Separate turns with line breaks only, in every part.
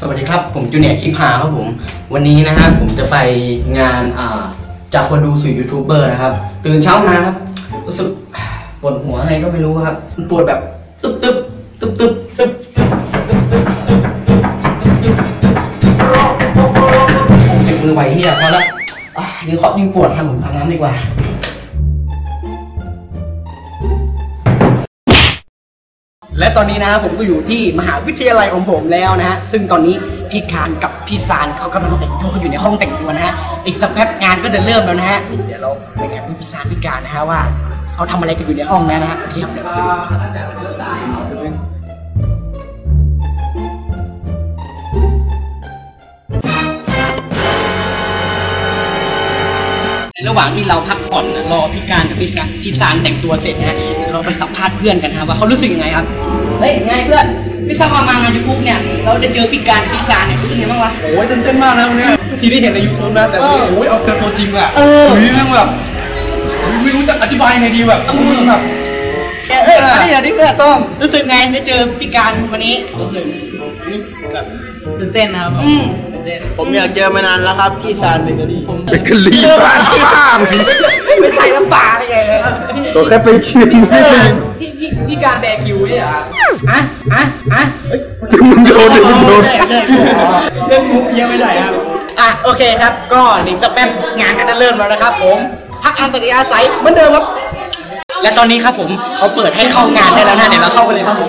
สวัสดีครับผมจูเนียร์คลิปหาครับผมวันนี้นะฮะผมจะไปงานจากคนดูสู่ยูทูบเบอร์นะครับตื่นเช้ามาครับรู้สึกปวดหัวอะไรก็ไม่รู้ครับปวดแบบตึ๊บตึ๊บตึ๊บตึ๊บตึ๊บผมเจ็บมือไหวเฮียพอละนี่เคาะยิ่งปวดครับผมอาบน้ำดีกว่าและตอนนี้นะผมก็อยู่ที่มหาวิทยาลัยของผมแล้วนะฮะซึ่งตอนนี้พี่การกับพี่ซานเขากำลังแต่งตัวอยู่ในห้องแต่งตัวนะฮะอีกสักแป๊บงานก็จะเริ่มแล้วนะฮะเดี๋ยวเราไปแอบดูพี่ซานพี่การนะฮะว่าเขาทำอะไรกันอยู่ในห้องนะฮะพี่ครับระหว่างที่เราพักผ่อนรอพี่การกับพี่ซานแต่งตัวเสร็จนะฮะเราไปสัมภาษณ์เพื่อนกันนะว่าเขารู้สึกยังไงครับเฮ้ยไงเพื่อนพี่ซานมางานยูทูบเนี่ยเราได้เจอพี่การพี่ซานเนี่ยรู้สึกยังไงบ้างวะ
โอ้ยเต้นมากนะวันนี้ทีที่เห็นใน YouTube นะแต่โอ้ยเอาเจอตัวจริงอะนี่นั่งแบบไม่รู้จะอธิบายยังไงดีแบบ
อันนี้เดี๋ยวเพื่อนต้องรู้สึกไงได้เจอพี่การวันนี้รู้สึกแบบตื่นเต้นนะครับผมอยากเจอมานานแล้วครับพี่ซานเบเกอรี่
เบเกอรี่บ้านข้าง
ไม่ใช่น้ำปลาอะไรไง
ตัวแค่ไปชิม
พี่การแบคิวเนี่ยเหรอ
มึงโดนเ
รื่องมุกยังไม่ได้ครับโอเคครับก็อีกสักแป๊บงานก็จะเริ่มแล้วนะครับผมพักอันตริยาศัยเหมือนเดิมครับและตอนนี้ครับผมเขาเปิดให้เข้างานได้แล้วนะเดี๋ยวเราเข้าไปเลยครับผม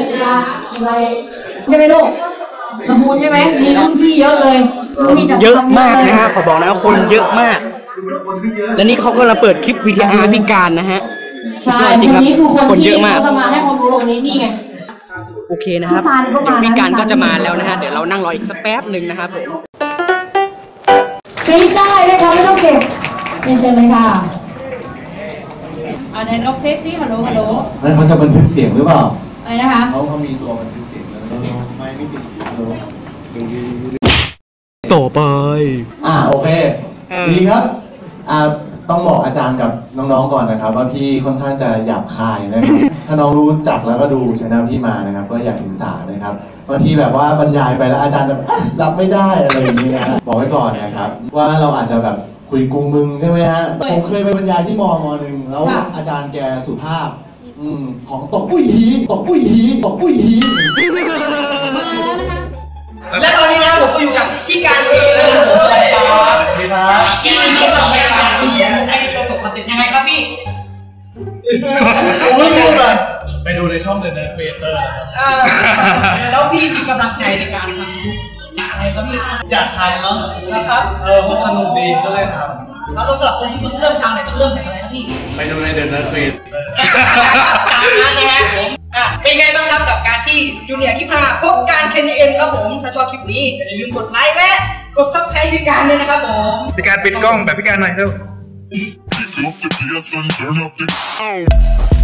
ใช่ไหมลูกสมูทใช่ไหมมีรุ่นพี่เยอะเลย
เยอะมากนะฮะขอบอกนะคนเยอะมากและนี่เขากำลังเปิดคลิปวิดีโอพิการนะฮะ
ใช่จริงครับคนเยอะมากจะมาให้ความรู้ตรงนี้นี่ไง
โอเคนะครับพิการก็จะมาแล้วนะฮะเดี๋ยวเรานั่งรออีกสักแป๊บหนึ่งนะครับผม
ปีได้เลยค่ะไม่ต้องเก็บเชิญเลยค่ะ
เดี๋ยวนกเทสซี่ฮัลโหล
แล้วเขาจะบันทึกเสียงหรือเปล่า
อะไรนะคะ
เขามีตัวบันทึกเสียงแล้วไม่ติด
ต่อไป
โอเคดีครับต้องบอกอาจารย์กับน้องๆก่อนนะครับว่าพี่ค่อนข้างจะหยาบคายนะครับถ้าน้องรู้จักแล้วก็ดูช่องพี่มานะครับก็อยากศึกษานะครับบางทีแบบว่าบรรยายไปแล้วอาจารย์แบบรับไม่ได้อะไรอย่างเงี้ยบอกไว้ก่อนนะครับว่าเราอาจจะแบบคุยกูมึงใช่ไหมฮะผมเคยไปบรรยายที่มหนึ่งแล้วอาจารย์แกสุภาพของตกอุ้ยหี
และตอนนี้นะผมก็อยู่กับพี่การเองเลยสวัสดีครับพี่นี่เราไปทำพี่ให้ประสบความสำเร็จยังไงครับพี่
ผมไม่รู้เลยไปดูในช่องเดอะเนอร์เฟเตอร์
แล้วพี่มีกำลังใจในการทำอะไรครับพี่
อยากทำเนาะนะครับมันสนุกดีก็เลยทำ
แล้วสำหรับคนที่เพิ่งเริ่มทำเนี่ยต้องเริ่มจากอะไรครับพี่
ไปดูในเดอะเนอร์เฟเตอร์
ตามนั้นนะฮะเป็นไงบ้างครับกับการที่จูเนียร์คลิป5พบการKNNครับผมถ้าชอบคลิปนี้อย่าลืมกดไลค์และกด Subscribe พี่การเลยนะครับผม
พี่การปิดกล้องแบบพี่การหน่อยเร็ว